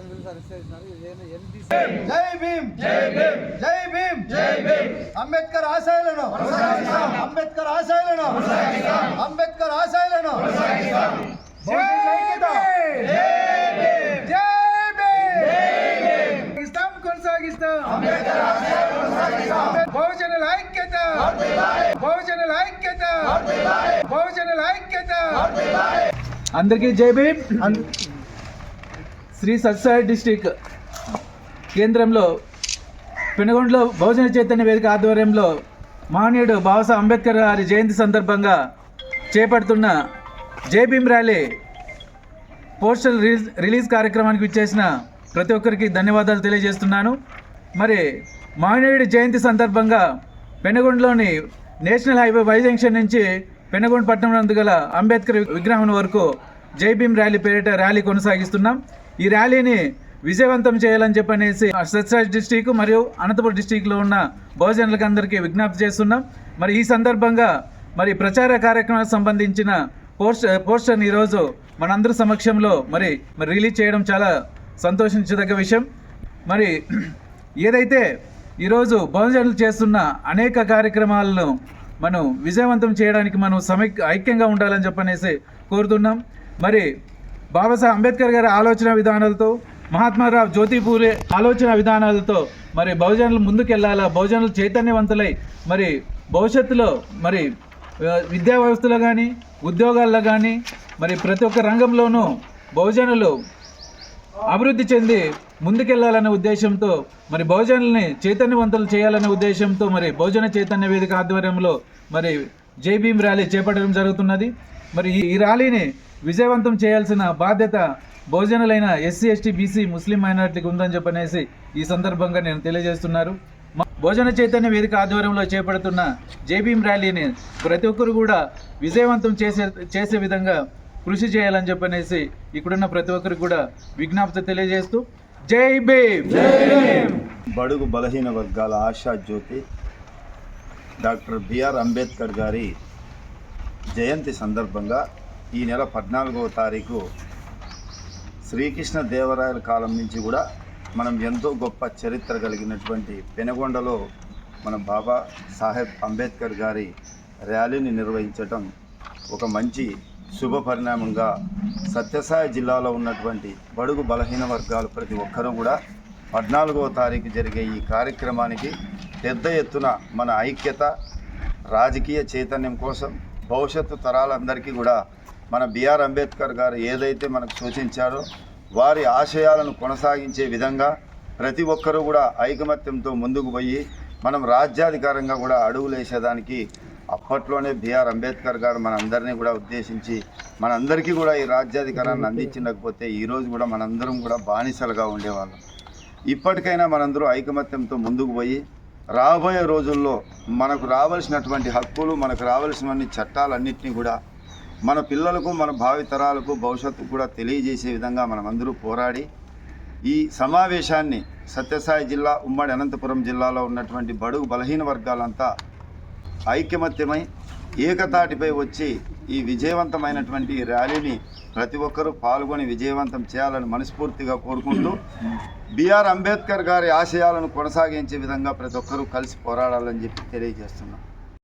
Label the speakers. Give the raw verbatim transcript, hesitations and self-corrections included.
Speaker 1: జై భీమ్ జై భీమ్ జై భీమ్ జై భీమ్ అంబేద్కర్ ఆశయాలను అంబేద్కర్ ఆశయాలను అంబేద్కర్ ఆశయాలను
Speaker 2: బహుజనుల ఐక్యత బహుజనుల ఐక్యత బహుజనుల ఐక్యత.
Speaker 3: అందరికీ జై భీమ్. శ్రీ సత్యసాయి డిస్టిక్ కేంద్రంలో పెనుగొండలో బహుజన చైతన్య వేదిక ఆధ్వర్యంలో మహనీయుడు బాబాసాహెబ్ అంబేద్కర్ గారి జయంతి సందర్భంగా చేపడుతున్న Jai Bhim rally postal release release కార్యక్రమానికి విచ్చేసిన ప్రతి ఒక్కరికి ధన్యవాదాలు తెలియజేస్తున్నాను. మరి మహనీయుడి జయంతి సందర్భంగా పెనుగొండలోని నేషనల్ హైవే వై జంక్షన్ నుంచి పెనుగొండ పట్టణం నందు గల అంబేద్కర్ విగ్రహం వరకు జై భీమ్ ర్యాలీ పేరిట ర్యాలీ కొనసాగిస్తున్నాం. ఈ ర్యాలీని విజయవంతం చేయాలని చెప్పనేసి సత్యసాయి డిస్టిక్ మరియు అనంతపురం డిస్టిక్లో ఉన్న బహుజనులకు అందరికీ విజ్ఞప్తి చేస్తున్నాం. మరి ఈ సందర్భంగా మరి ప్రచార కార్యక్రమానికి సంబంధించిన పోస్టర్ పోస్టర్ని ఈరోజు మనందరి సమక్షంలో మరి మరి రిలీజ్ చేయడం చాలా సంతోషించదగ్గ విషయం. మరి ఏదైతే ఈరోజు బహుజనులు చేస్తున్న అనేక కార్యక్రమాలను మనం విజయవంతం చేయడానికి మనం సమైక్ ఐక్యంగా ఉండాలని చెప్పనేసి కోరుతున్నాం. మరి బాబాసాహెబ్ అంబేద్కర్ గారి ఆలోచన విధానాలతో, మహాత్మారావు జ్యోతిపూలే ఆలోచన విధానాలతో మరి బహుజనులు ముందుకెళ్లాలా, బహుజనులు చైతన్యవంతులై మరి భవిష్యత్తులో మరి విద్యా వ్యవస్థలో కానీ ఉద్యోగాల్లో కానీ మరి ప్రతి ఒక్క రంగంలోనూ బహుజనులు అభివృద్ధి చెంది ముందుకెళ్లాలనే ఉద్దేశంతో మరి బహుజనుల్ని చైతన్యవంతులు చేయాలనే ఉద్దేశంతో మరి బహుజన చైతన్య వేదిక ఆధ్వర్యంలో మరి జై భీమ్ ర్యాలీ చేపట్టడం జరుగుతున్నది. మరి ఈ ర్యాలీని విజయవంతం చేయాల్సిన బాధ్యత బహుజనులైన ఎస్సీ ఎస్టీ బీసీ ముస్లిం మైనారిటీకి ఉందని చెప్పనేసి ఈ సందర్భంగా నేను తెలియజేస్తున్నారు. బహుజన చైతన్య వేదిక ఆధ్వర్యంలో చేపడుతున్న జై భీమ్ ర్యాలీని ప్రతి ఒక్కరు కూడా విజయవంతం చేసే చేసే విధంగా కృషి చేయాలని చెప్పనేసి ఇక్కడున్న ప్రతి ఒక్కరికి కూడా విజ్ఞప్తి తెలియజేస్తూ జై భీమ్.
Speaker 4: బడుగు బలహీన వర్గాల ఆశా జ్యోతి డాక్టర్ బిఆర్ అంబేద్కర్ గారి జయంతి సందర్భంగా ఈ నెల పద్నాలుగవ తారీఖు శ్రీకృష్ణ దేవరాయల కాలం నుంచి కూడా మనం ఎంతో గొప్ప చరిత్ర కలిగినటువంటి పెనుగొండలో మన బాబా సాహెబ్ అంబేద్కర్ గారి ర్యాలీని నిర్వహించటం ఒక మంచి శుభ పరిణామంగా సత్యసాయి జిల్లాలో ఉన్నటువంటి బడుగు బలహీన వర్గాలు ప్రతి ఒక్కరూ కూడా పద్నాలుగవ తారీఖు జరిగే ఈ కార్యక్రమానికి పెద్ద ఎత్తున మన ఐక్యత, రాజకీయ చైతన్యం కోసం భవిష్యత్తు తరాలందరికీ కూడా మన బిఆర్ అంబేద్కర్ గారు ఏదైతే మనకు సూచించారో వారి ఆశయాలను కొనసాగించే విధంగా ప్రతి ఒక్కరూ కూడా ఐకమత్యంతో ముందుకు పోయి మనం రాజ్యాధికారంగా కూడా అడుగులేసేదానికి అప్పట్లోనే బిఆర్ అంబేద్కర్ గారు మనందరినీ కూడా ఉద్దేశించి మనందరికీ కూడా ఈ రాజ్యాధికారాన్ని అందించకపోతే ఈరోజు కూడా మనందరం కూడా బానిసలుగా ఉండేవాళ్ళం. ఇప్పటికైనా మనందరూ ఐకమత్యంతో ముందుకు పోయి రాబోయే రోజుల్లో మనకు రావాల్సినటువంటి హక్కులు, మనకు రావాల్సినటువంటి చట్టాలన్నింటినీ కూడా మన పిల్లలకు, మన భావితరాలకు, భవిష్యత్తుకు కూడా తెలియజేసే విధంగా మనమందరూ పోరాడి ఈ సమావేశాన్ని సత్యసాయి జిల్లా, ఉమ్మడి అనంతపురం జిల్లాలో ఉన్నటువంటి బడుగు బలహీన వర్గాలంతా ఐక్యమత్యమై ఏకతాటిపై వచ్చి ఈ విజయవంతమైనటువంటి ర్యాలీని ప్రతి ఒక్కరూ పాల్గొని విజయవంతం చేయాలని మనస్ఫూర్తిగా కోరుకుంటూ బిఆర్ అంబేద్కర్ గారి ఆశయాలను కొనసాగించే విధంగా ప్రతి ఒక్కరూ కలిసి పోరాడాలని చెప్పి తెలియజేస్తున్నాం.